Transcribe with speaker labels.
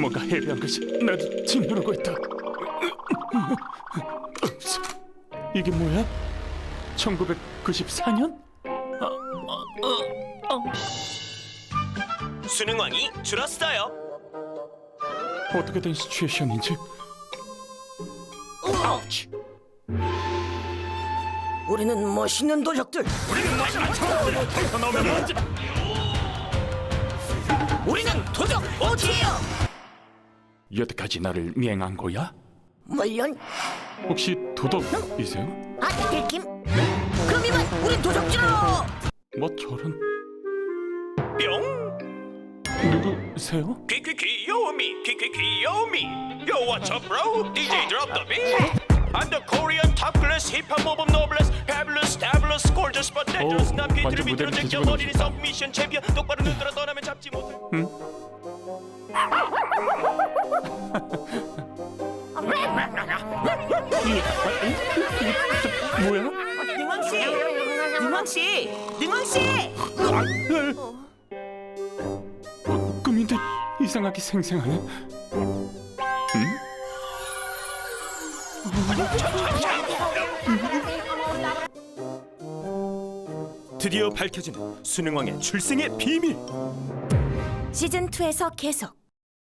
Speaker 1: 뭔가 해괴한 것이 나를 짓누르고 있다. 이게 뭐야? 1994년?
Speaker 2: 수능왕이 줄었어요.
Speaker 1: 어떻게 된 시츄에이션인지. 아우치.
Speaker 3: 우리는 멋있는 도적들.
Speaker 1: 더 나오면 먼저.
Speaker 3: 우리는 도적 오지예요.
Speaker 1: 여태까지 나를 미행한 거야?
Speaker 3: 물론
Speaker 1: 혹시 도덕이세요?
Speaker 3: 안 들킴. 그럼 이만 우린 도적질로.
Speaker 1: 뭐 저런.
Speaker 2: 뿅.
Speaker 1: 누구세요?
Speaker 2: 귀여움이 귀여움이. Yo, what's up, bro? DJ drop the beat. I'm the Korean top class hip hop mob of noblesse. Fabulous, fabulous, gorgeous, but dangerous. 난
Speaker 1: 완전
Speaker 2: 비트를
Speaker 1: 무대를
Speaker 2: 비틀어
Speaker 1: 뒤집어
Speaker 2: 제껴버리는
Speaker 1: 놓으셨다.
Speaker 2: 서브미션 챔피언. 똑바로 눈 들어 떠나면 잡지 못해.
Speaker 1: 뭐야?
Speaker 3: 능원 씨.
Speaker 1: 꿈인데 이상하게 생생하네.
Speaker 2: 드디어 밝혀진 수능왕의 출생의 비밀.
Speaker 3: 시즌 2에서 계속.